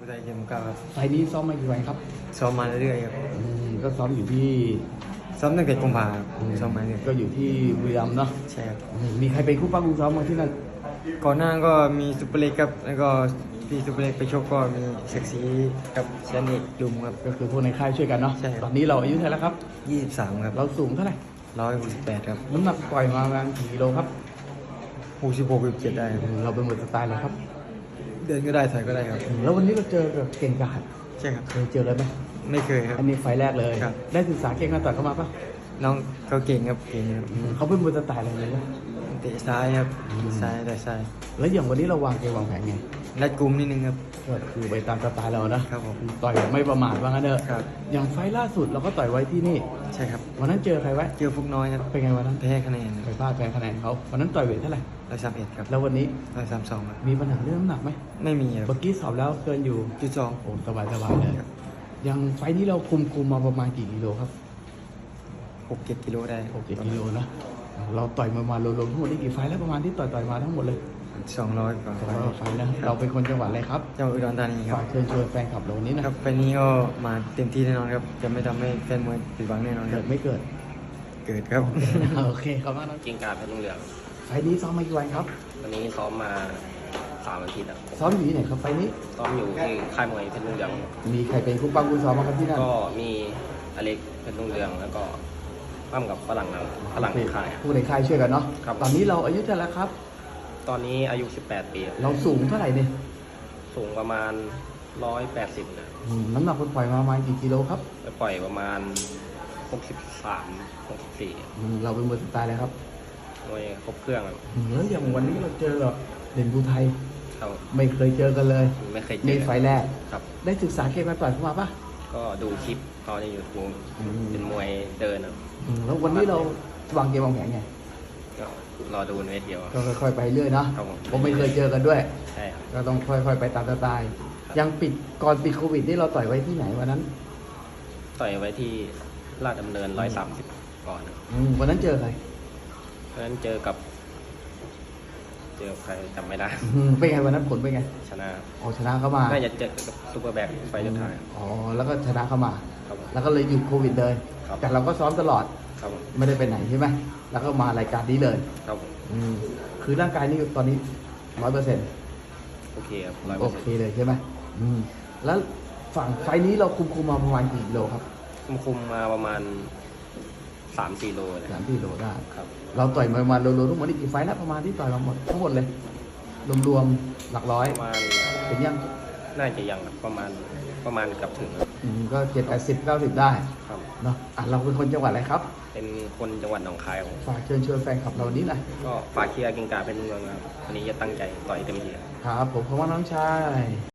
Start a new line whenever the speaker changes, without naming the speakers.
ไทยเกมก้าครับ
ไฟล์นี้ซ้อมมากี่วันครับ
ซ้อมมาเรื่อยๆครับ
ก็ซ้อมอยู่ที่
ซ้อมตั้งแต่กุมภาพันธ์ซ้อมมาเรื่อย
ก็อยู่ที่บุรีรัมย์เนาะ
ใช่ครับ
มีใครเป็นคู่ปั้มคู่ซ้อมมาที่นั่น
ก่อนหน้าก็มีซุปเปอร์เล็กครับแล้วก็พี่ซุปเปอร์เล็กไปชกก็มีเซ็กซี่กับเชนนิกดุมครับ
ก็คือพวกในค่ายช่วยกันเนาะ
ใช่ครับ
ตอนนี้เราอายุเท่าไหร่แล้วครับ
23ครับ
เราสูงเท่าไหร่
168ครับ
น้ำหนักปล่อยมาประมาณกี่กิโลครับ
66-67ได้ครับ
เราเป็นมวยสไตล์เลยครับ
เดินก็ได้ถอยก็ได้ครับ
แล้ววันนี้เราเจอกับเก่งกาจ
ใช่ครับ
เคยเจอเลยไหม
ไม่เคยครับ
อันนี้ไฟล์แรกเลย
ครับ
ได้ศึกษาเก่งกาจต่อยเข้ามาปะ
น้องเขาเก่งครับเก่งครับ
เขาเป็นมวยสไตล์อะไรเลยนะ
เตะซ้ายครับซ้ายแต่ซ้าย
แล้วอย่างวันนี้เราวางเกมวางแผนไง
รัดกุมนิดนึงครับ
ก็คือไปตามสไตล์เรานะครับ
ผม
ต่อยแบบไม่ประมาทว่างั้นเถอะ
ครับ
อย่างไฟล์ล่าสุดเราก็ต่อยไว้ที่นี่
ใช่ครับ
วันนั้นเจอใครไว้
เจอฟุกน้อยครับ
เป็นไงวันนั้น
แพ้คะแนน
ไปพลาดแพ้คะแนนเขาวันนั้นต่อยเวทเท่าไหร่
131ครับ
แล้ววันนี้
132ครับ
มีปัญหาเรื่องน้ำหนักไหม
ไม่มีค
เมื่
รับ
อกี้สอบแล้วเกินอยู่
จุดสอง
โอ้สบายเลย
ครับ
อย่างไฟล์นี้เราคุมมาประมาณกี่กิโลครับ
6-7กิโลได้
6-7กิโลนะเราต่อยมารวมๆทั้งหมดนี่กี่ไฟล์แล้วประมาณที่ต่อยมาทั้งหมดเลย
200กว่า
ไฟล์นะเราเป็นคนจังหวัดอะไรครับ
จังหวัดอุดรธานีครั
ฝา
บ
กเชิญชวนแฟนคลับเราวันนี้นะครับ
ไฟล์นี้ก็มาเต็มที่แน่นอนครับ จะไม่ทำให้แฟนมวยผิดหวังแน่นอนค
เกิ
รับ
ดไม่เกิด
เกิดครับ
โอเคขอบคุณมากนะ
เก่งกาจเพชรรุ่งเรือง
ไฟล์นี้ซ้อมมากี่วันครับ
วันนี้ซ้อมมา3 อาทิตย์แล้ว
ซ้อมอยู่ที่ไหนครับไฟล์นี้
ซ้อมอยู่ที่ค่ายมวยเพชรรุ่งเรือง
มีใครเป็นคู่ปั้มคู่ซ้อมมางครับที่นั่น
ก็มีอเล็กเพชรรุ่งเรืองแล้วก็ปั้มกับฝรั่งในค่าย
ผู้ในค่ายช่วยกันเนาะ
ครับ
ตอนนี้เราอายุเท่าไหร่แล้วครับ
ตอนนี้อายุ 18 ปี
เราสูงเท่าไหร่เนี่ย
สูงประมาณ 180นะ
น้ำหนักคนปล่อยมาประมาณกี่กิโลครับ
ไปปล่อยประมาณ 63 64
เราเป็นมวยสไตล์อะไรครับ
มวยครบเครื่องครับ
แล้วอย่างวันนี้เราเจอกับเด่นภูไทย
เขา
ไม่เคยเจอกันเลย
ไม่เคยเจ
นี่
อ
ไฟล์แรก
ครับ
ได้ศึกษาเกมมาต่อยเข้ามาปะ
ก็ดูคลิปเขาใน YouTube เป็นมวยเดินครับ
แล้ววันนี้เราวางเกมวางแผนไง
ก็รอดูในเวทีครับ
ก็ค่อยๆไปเรื่อยเนาะ
ครับผม
ผมไม่เคยเจอกันด้วย
ใช่ครับ
ก็ต้องค่อยๆไปตามสไตล์ยังก่อนปิดโควิดนี่เราต่อยไว้ที่ไหนวันนั้น
ต่อยไว้ที่ลาดดำเนิน 130 ก่อนครับ
วันนั้นเจอใคร
เพราะฉะนั้นเจอใครจำไม่ได้
เป็นไงวันนั้นผลเป็นไง
ชนะ
อ๋อชนะเข้ามา
น่าจะเจอกับซูเปอร์แบ็คไฟล์สุดท้าย
อ๋อแล้วก็ชนะเข้ามา
ครับผม
แล้วก็เลยหยุดโควิดเลย
ครับ
แต่เราก็ซ้อมตลอด
ครับผม
ไม่ได้ไปไหนใช่ไหมแล้วก็มารายการนี้เลย
ครับผม
คือร่างกายนี่ตอนนี้100%
โอเคครับ
โอเคเลยใช่ไหมแล้วฝั่งไฟล์นี้เราคุมมาประมาณกี่กิโลครับ
คุมมาประมาณ 3-4 โลเลย
3-4 โลได้
ครับ
เราต่อยมาประมาณรวมๆทั้งหมดนี่กี่ไฟล์แล้วประมาณที่ต่อยมาหมดทั้งหมดเลย รวมๆหลักร้อย
ประมาณ
เป็นยัง
น่าจะยังครับประมาณเกับถึงครับ
ก็70-80-90 ได้
ครับ
เนาะเราเป็นคนจังหวัดอะไรครับ
เป็นคนจังหวัดหนองคายครับผม
ฝากเชิญชวนแฟนคลับเรานี้หน่อย
ก็ฝากเชียร์เก่งกาจเป็นเมืองครับวันนี้จะตั้งใจต่อยเต็มที่ครับ
ครับผมขอบคุณน้องชาย